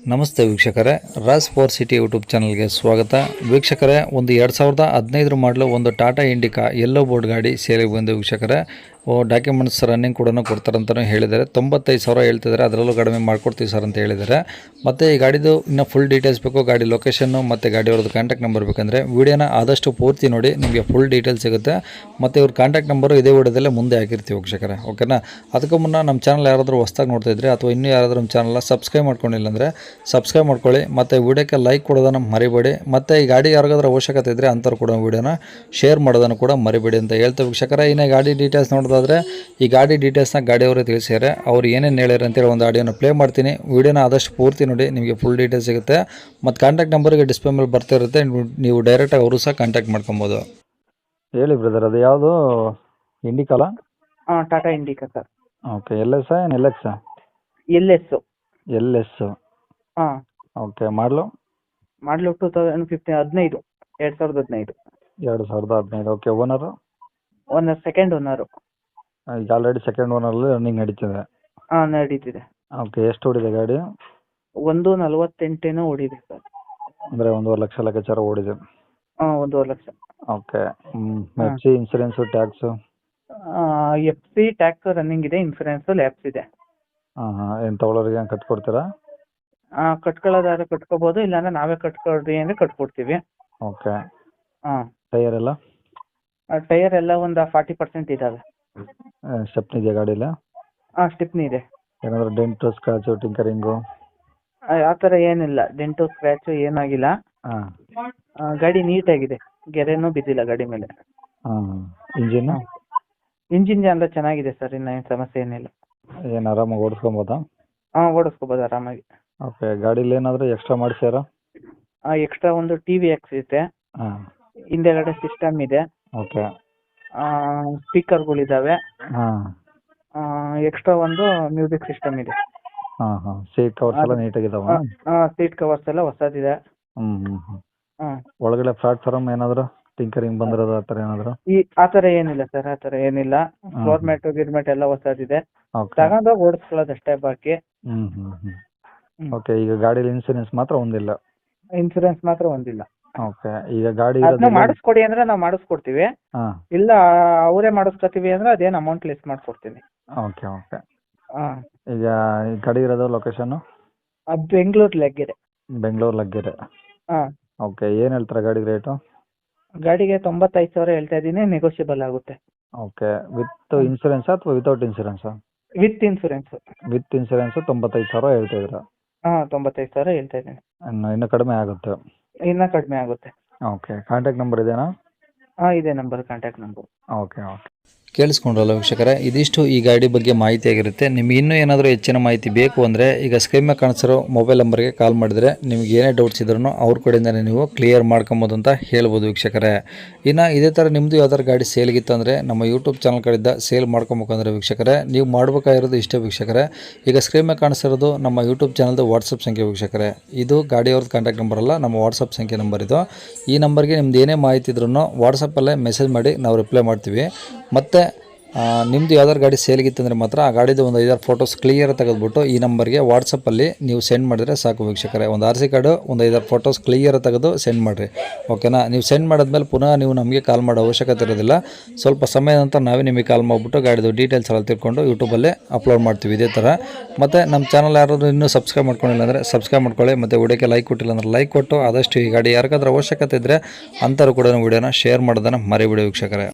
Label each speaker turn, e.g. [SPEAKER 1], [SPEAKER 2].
[SPEAKER 1] ನಮಸ್ತೆ ವೀಕ್ಷಕರೇ, Raas four city YouTube ಚಾನಲ್ಗೆ ಸ್ವಾಗತ. ವೀಕ್ಷಕರೇ, ಒಂದು 2015 ಮಾಡಲು ಒಂದು ಟಾಟಾ ಇಂಡಿಕಾ ಯೆಲ್ಲೋ ಬೋರ್ಡ್ ಗಾಡಿ ಸೇಲಿಗೆ ಬಂದು ವೀಕ್ಷಕರೇ, ಡಾಕ್ಯುಮೆಂಟ್ಸ್ ರನ್ನಿಂಗ್ ಕೂಡ ಕೊಡ್ತಾರಂತಲೂ ಹೇಳಿದ್ದಾರೆ. 95,000 ಹೇಳ್ತಿದ್ದಾರೆ, ಅದರಲ್ಲೂ ಕಡಿಮೆ ಮಾಡ್ಕೊಡ್ತೀವಿ ಸರ್ ಅಂತ ಹೇಳಿದ್ದಾರೆ. ಮತ್ತು ಈ ಗಾಡಿದು ಇನ್ನೂ ಫುಲ್ ಡೀಟೇಲ್ಸ್ ಬೇಕು, ಗಾಡಿ ಲೊಕೇಶನ್ನು ಮತ್ತು ಗಾಡಿಯವ್ರದ್ದು ಕಾಂಟ್ಯಾಕ್ಟ್ ನಂಬರ್ ಬೇಕಂದರೆ ವಿಡಿಯೋನ ಆದಷ್ಟು ಪೂರ್ತಿ ನೋಡಿ, ನಿಮಗೆ ಫುಲ್ ಡೀಟೇಲ್ಸ್ ಸಿಗುತ್ತೆ. ಮತ್ತು ಇವ್ರ ಕಾಂಟ್ಯಾಕ್ಟ್ ನಂಬರು ಇದೇ ವಿಡಿಯೋದಲ್ಲೇ ಮುಂದೆ ಹಾಕಿರ್ತೀವಿ ವೀಕ್ಷಕರೇ, ಓಕೆನಾ. ಅದಕ್ಕೂ ಮುನ್ನ ನಮ್ಮ ಚಾನಲ್ ಯಾರಾದರೂ ಹೊಸ್ದಾಗಿ ನೋಡ್ತಾ ಇದ್ದರೆ ಅಥವಾ ಇನ್ನೂ ಯಾರಾದರೂ ನಮ್ಮ ಚಾನಲ್ನ ಸಬ್ಸ್ಕ್ರೈಬ್ ಮಾಡ್ಕೊಂಡಿಲ್ಲ ಅಂದರೆ ಸಬ್ಸ್ಕ್ರೈಬ್ ಮಾಡ್ಕೊಳ್ಳಿ. ಮತ್ತು ವಿಡಿಯೋಕ್ಕೆ ಲೈಕ್ ಕೊಡೋದನ್ನು ಮರಿಬೇಡಿ. ಮತ್ತು ಈ ಗಾಡಿ ಯಾರಿಗಾದ್ರೂ ಅವಶ್ಯಕತೆ ಇದ್ದರೆ ಅಂಥವ್ರು ಕೂಡ ವಿಡಿಯೋನ ಶೇರ್ ಮಾಡೋದನ್ನು ಕೂಡ ಮರಿಬೇಡಿ ಅಂತ ಹೇಳ್ತೇವೆ ವೀಕ್ಷಕರೇ. ಇನ್ನು ಗಾಡಿ ಡೀಟೇಲ್ಸ್ ನೋಡೋದಾದರೆ, ಈ ಗಾಡಿ ಡೀಟೇಲ್ಸ್ನ ಗಾಡಿಯವರೇ ತಿಳಿಸಿದ್ದಾರೆ. ಅವ್ರು ಏನೇನು ಹೇಳ್ಯಾರ ಅಂತೇಳಿ ಒಂದು ಆಡಿಯೋನ ಪ್ಲೇ ಮಾಡ್ತೀನಿ. ವಿಡಿಯೋನ ಆದಷ್ಟು ಪೂರ್ತಿ ನೋಡಿ, ನಿಮಗೆ ಫುಲ್ ಡೀಟೇಲ್ಸ್ ಸಿಗುತ್ತೆ. ಮತ್ತು ಕಾಂಟ್ಯಾಕ್ಟ್ ನಂಬರ್ಗೆ ಡಿಸ್ಪ್ಲೇ ಮೇಲೆ ಬರ್ತಿರುತ್ತೆ, ನೀವು ಡೈರೆಕ್ಟಾಗಿ ಅವರು ಸಹ ಕಾಂಟ್ಯಾಕ್ಟ್ ಮಾಡ್ಕೊಬೋದು. ಹೇಳಿ ಬ್ರದರ್, ಅದು ಯಾವುದು ಇಂಡಿಕಲ್ಲ?
[SPEAKER 2] ಹಾಂ, Tata Indica sir.
[SPEAKER 1] Okay, L S ಏನು ಎಲ್ ಎಕ್ಸ್?
[SPEAKER 2] L S. ಹಾಂ.
[SPEAKER 1] ಓಕೆ, ಮಾಡಲು
[SPEAKER 2] 2015 2015.
[SPEAKER 1] 2015. Okay, owner?
[SPEAKER 2] Second owner.
[SPEAKER 1] ಈಗ ಆಲ್ರೆಡಿ ಸೆಕೆಂಡ್ ಓನರಲ್ಲಿ ರನ್ನಿಂಗ್ ನಡೀತಿದೆ.
[SPEAKER 2] ಹಾಂ, ನಡೀತಿದೆ.
[SPEAKER 1] ಓಕೆ, ಎಷ್ಟು ಓಡಿದೆ ಗಾಡಿ?
[SPEAKER 2] 148 ಓಡಿದೆ ಸರ್.
[SPEAKER 1] ಅಂದರೆ 1.5 ಲಕ್ಷ ಲೆಕ್ಕಾಚಾರ ಓಡಿದೆ.
[SPEAKER 2] ಹಾಂ, 1.5 lakh.
[SPEAKER 1] Okay, F C, insurance, tax?
[SPEAKER 2] F C tax running ಇದೆ, ಇನ್ಸೂರೆನ್ಸು ಲ್ಯಾಪ್ಸ್ ಇದೆ.
[SPEAKER 1] ಏನು ತೊಗೊಳೋರಿಗೆ ಕಟ್ಕೊಡ್ತೀರಾ?
[SPEAKER 2] ಕಟ್ಕೊಳ್ಳೋದಾದ್ರೆ ಕಟ್ಕೋಬೋದು, ಇಲ್ಲಾಂದ್ರೆ ನಾವೇ ಕಟ್ಕೊಡ್ರಿ ಅಂದರೆ ಕಟ್ಕೊಡ್ತೀವಿ.
[SPEAKER 1] ಓಕೆ.
[SPEAKER 2] ಹಾಂ.
[SPEAKER 1] ಟೈಯರ್ ಎಲ್ಲ?
[SPEAKER 2] ಟೈಯರ್ ಎಲ್ಲ ಒಂದು 40% ಇದ್ದಾವೆ.
[SPEAKER 1] ಸ್ಟೆಪ್ನಿ ಇದೆಯಾ ಗಾಡೀಲಿ?
[SPEAKER 2] ಹಾಂ, ಸ್ಟಿಪ್ನಿ ಇದೆ.
[SPEAKER 1] ಏನಾದರೂ ಡೆಂಟು, ಸ್ಕ್ರಾಚು, ಟಿಂಕರಿಂಗು?
[SPEAKER 2] ಆ ಥರ ಏನಿಲ್ಲ, ಡೆಂಟು ಸ್ಕ್ರ್ಯಾಚು ಏನಾಗಿಲ್ಲ.
[SPEAKER 1] ಹಾಂ.
[SPEAKER 2] ಗಾಡಿ ನೀಟಾಗಿದೆ, ಗೆರೆನೂ ಬಿದ್ದಿಲ್ಲ ಗಾಡಿ ಮೇಲೆ.
[SPEAKER 1] ಹಾಂ. ಇಂಜಿನ್ನು?
[SPEAKER 2] ಇಂಜಿನ್ ಎಲ್ಲ ಚೆನ್ನಾಗಿದೆ ಸರ್, ಇನ್ನೇನು ಸಮಸ್ಯೆ ಏನಿಲ್ಲ.
[SPEAKER 1] ಏನು ಆರಾಮಾಗಿ ಓಡಿಸ್ಕೊಬೋದಾ?
[SPEAKER 2] ಹಾಂ, ಓಡಿಸ್ಕೋಬೋದು ಆರಾಮಾಗಿ.
[SPEAKER 1] ಓಕೆ, ಗಾಡೀಲಿ ಏನಾದರೂ ಎಕ್ಸ್ಟ್ರಾ ಮಾಡಿಸ್ಯಾರ?
[SPEAKER 2] ಎಕ್ಸ್ಟ್ರಾ ಒಂದು ಟಿವಿ ಹಾಕ್ಸಿದೆ.
[SPEAKER 1] ಹಾಂ.
[SPEAKER 2] ಹಿಂದೆಗಡೆ ಸಿಸ್ಟಮ್ ಇದೆ.
[SPEAKER 1] ಓಕೆ.
[SPEAKER 2] ಸ್ಪೀಕರ್ಗಳಿದ್ದಾವೆ.
[SPEAKER 1] ಹಾಂ.
[SPEAKER 2] ಎಕ್ಸ್ಟ್ರಾ ಒಂದು ಮ್ಯೂಸಿಕ್ ಸಿಸ್ಟಮ್ ಇದೆ.
[SPEAKER 1] ಹಾಂ ಹಾಂ. ಸೀಟ್ ಕವರ್ಸ್ ಎಲ್ಲ ನೀಟಾಗಿದ್ದಾವ?
[SPEAKER 2] ಸೀಟ್ ಕವರ್ಸ್ ಎಲ್ಲ ಹೊಸದಿದೆ.
[SPEAKER 1] ಹ್ಞೂ. ಒಳಗಡೆ ಪ್ಲಾಟ್ಫಾರ್ಮ್ ಏನಾದರೂ ಟಿಂಕರಿಂಗ್ ಬಂದಿರೋದು ಆ ಥರ ಏನಾದರೂ?
[SPEAKER 2] ಆ ಥರ ಏನಿಲ್ಲ ಸರ್, ಆ ಥರ ಏನಿಲ್ಲ. ಫ್ಲೋರ್ ಮ್ಯಾಟು ಗಿರ್ಮೆಟ್ ಎಲ್ಲ ಹೊಸದಿದೆ. ತಗೊಂಡೋಗಿ ಓಡಿಸ್ಕೊಳ್ಳೋದಷ್ಟೇ ಬಾಕಿ.
[SPEAKER 1] ಓಕೆ, ಈಗ ಗಾಡೀಲಿ ಇನ್ಸೂರೆನ್ಸ್ ಮಾತ್ರ ಒಂದಿಲ್ಲ?
[SPEAKER 2] ಇನ್ಸೂರೆನ್ಸ್ ಮಾತ್ರ ಒಂದಿಲ್ಲ.
[SPEAKER 1] ಓಕೆ, ಈಗ ಗಾಡಿ
[SPEAKER 2] ಮಾಡಿಸ್ಕೊಡಿ ಅಂದ್ರೆ ನಾವು ಮಾಡಿಸ್ಕೊಡ್ತೀವಿ.
[SPEAKER 1] ಹಾಂ.
[SPEAKER 2] ಇಲ್ಲ ಅವರೇ ಮಾಡಿಸ್ಕೊತೀವಿ ಅಂದ್ರೆ ಅದೇನು ಅಮೌಂಟ್ ಲೆಸ್ ಮಾಡ್ಕೊಡ್ತೀನಿ.
[SPEAKER 1] Okay okay.
[SPEAKER 2] ಹಾಂ.
[SPEAKER 1] ಈಗ ಈ ಗಾಡಿ ಇರೋದು ಲೊಕೇಶನ್ನು?
[SPEAKER 2] ಬೆಂಗಳೂರು ಲಗ್ಗೆರೆ.
[SPEAKER 1] ಬೆಂಗಳೂರು ಲಗ್ಗೆರೆ.
[SPEAKER 2] ಹಾಂ.
[SPEAKER 1] ಓಕೆ, ಏನು ಹೇಳ್ತಾರೆ ಗಾಡಿಗೆ ರೇಟು?
[SPEAKER 2] ಗಾಡಿಗೆ 95,000 ಹೇಳ್ತಾ ಇದ್ದೀನಿ, ನೆಗೋಷಿಯಬಲ್ ಆಗುತ್ತೆ.
[SPEAKER 1] ಓಕೆ, ವಿತ್ ಇನ್ಸೂರೆನ್ಸ್ ಅಥವಾ ವಿತೌಟ್ ಇನ್ಸೂರೆನ್ಸಾ?
[SPEAKER 2] With insurance.
[SPEAKER 1] ವಿತ್ ಇನ್ಸೂರೆನ್ಸ್ 95,000 ಹೇಳ್ತಿದ್ದೀರಾ?
[SPEAKER 2] ಹಾಂ, 95,000 ಹೇಳ್ತಾ ಇದ್ದೀನಿ.
[SPEAKER 1] ಇನ್ನೂ ಕಡಿಮೆ ಆಗುತ್ತೆ?
[SPEAKER 2] ಇನ್ನೂ ಕಡಿಮೆ ಆಗುತ್ತೆ.
[SPEAKER 1] ಓಕೆ, ಕಾಂಟ್ಯಾಕ್ಟ್ ನಂಬರ್ ಇದೆಯಾ?
[SPEAKER 2] ಹಾಂ, ಇದೆ number, contact number.
[SPEAKER 1] Okay okay. ಕೇಳಿಸ್ಕೊಂಡ್ರಲ್ಲ ವೀಕ್ಷಕರೇ, ಇದಿಷ್ಟು ಈ ಗಾಡಿ ಬಗ್ಗೆ ಮಾಹಿತಿ ಆಗಿರುತ್ತೆ. ನಿಮ್ಗೆ ಇನ್ನೂ ಏನಾದರೂ ಹೆಚ್ಚಿನ ಮಾಹಿತಿ ಬೇಕು ಅಂದರೆ ಈಗ ಸ್ಕ್ರೀನ್ ಮೇಲೆ ಕಾಣಿಸಿರೋ ಮೊಬೈಲ್ ನಂಬರ್ಗೆ ಕಾಲ್ ಮಾಡಿದರೆ ನಿಮ್ಗೆ ಏನೇ ಡೌಟ್ಸ್ ಇದ್ರೂ ಅವ್ರ ಕಡೆಯಿಂದನೇ ನೀವು ಕ್ಲಿಯರ್ ಮಾಡ್ಕೊಬೋದು ಅಂತ ಹೇಳ್ಬೋದು ವೀಕ್ಷಕರೇ. ಇನ್ನು ಇದೇ ಥರ ನಿಮ್ಮದು ಯಾವ್ದಾದ್ರು ಗಾಡಿ ಸೇಲ್ಗಿತ್ತು ಅಂದರೆ ನಮ್ಮ ಯೂಟ್ಯೂಬ್ ಚಾನಲ್ ಕಡೆಯಿಂದ ಸೇಲ್ ಮಾಡ್ಕೊಬೇಕಂದ್ರೆ ವೀಕ್ಷಕರೇ, ನೀವು ಮಾಡಬೇಕಾಗಿರೋದು ಇಷ್ಟೇ ವೀಕ್ಷಕರೇ. ಈಗ ಸ್ಕ್ರೀನ್ ಮೇಲೆ ಕಾಣಿಸಿರೋದು ನಮ್ಮ ಯೂಟ್ಯೂಬ್ ಚಾನಲ್ದು ವಾಟ್ಸಪ್ ಸಂಖ್ಯೆ ವೀಕ್ಷಕರೇ. ಇದು ಗಾಡಿಯವ್ರದ್ದು ಕಾಂಟ್ಯಾಕ್ಟ್ ನಂಬರ್ ಅಲ್ಲ, ನಮ್ಮ ವಾಟ್ಸಪ್ ಸಂಖ್ಯೆ ನಂಬರ್ ಇದು. ಈ ನಂಬರ್ಗೆ ನಿಮ್ದು ಏನೇ ಮಾಹಿತಿ ಇದ್ರೂ ವಾಟ್ಸಪ್ಪಲ್ಲೇ ಮೆಸೇಜ್ ಮಾಡಿ ನಾವು ರಿಪ್ಲೈ ಮಾಡ್ತೀವಿ. ಮತ್ತು ನಿಮ್ಮದು ಯಾವ್ದಾದ್ರು ಗಾಡಿ ಸೇಲ್ಗಿತ್ತಂದರೆ ಮಾತ್ರ ಆ ಗಾಡಿದು ಒಂದು 5-6 ಫೋಟೋಸ್ ಕ್ಲಿಯರ್ ತೆಗೆದುಬಿಟ್ಟು ಈ ನಂಬರ್ಗೆ ವಾಟ್ಸಪ್ಪಲ್ಲಿ ನೀವು ಸೆಂಡ್ ಮಾಡಿದರೆ ಸಾಕು ವೀಕ್ಷಕರೇ. ಒಂದು RC ಕಾರ್ಡು, ಒಂದು 5-6 ಫೋಟೋಸ್ ಕ್ಲಿಯರ್ ತೆಗೆದು ಸೆಂಡ್ ಮಾಡಿರಿ, ಓಕೆನಾ. ನೀವು ಸೆಂಡ್ ಮಾಡಿದ್ಮೇಲೆ ಪುನಃ ನೀವು ನಮಗೆ ಕಾಲ್ ಮಾಡೋ ಅವಶ್ಯಕತೆ ಇರೋದಿಲ್ಲ. ಸ್ವಲ್ಪ ಸಮಯದ ನಂತರ ನಾವೇ ನಿಮಗೆ ಕಾಲ್ ಮಾಡಿಬಿಟ್ಟು ಗಾಡಿದು ಡೀಟೇಲ್ಸ್ ಎಲ್ಲ ತಿಳ್ಕೊಂಡು ಯೂಟ್ಯೂಬಲ್ಲೇ ಅಪ್ಲೋಡ್ ಮಾಡ್ತೀವಿ ಇದೇ ಥರ. ಮತ್ತು ನಮ್ಮ ಚಾನಲ್ ಯಾರಾದರೂ ಇನ್ನೂ ಸಬ್ಸ್ಕ್ರೈಬ್ ಮಾಡ್ಕೊಂಡಿಲ್ಲ ಅಂದರೆ ಸಬ್ಸ್ಕ್ರೈಬ್ ಮಾಡ್ಕೊಳ್ಳಿ. ಮತ್ತು ವಿಡಿಯೋಕ್ಕೆ ಲೈಕ್ ಕೊಟ್ಟಿಲ್ಲ ಅಂದ್ರೆ ಲೈಕ್ ಕೊಟ್ಟು ಆದಷ್ಟು ಈ ಗಾಡಿ ಯಾರಿಗಾದ್ರೂ ಅವಶ್ಯಕತೆ ಇದ್ದರೆ ಅಂಥವ್ರು ಕೂಡ ವಿಡಿಯೋನ ಶೇರ್ ಮಾಡೋದನ್ನು ಮರಿಬಿಡಿ ವೀಕ್ಷಕರೇ.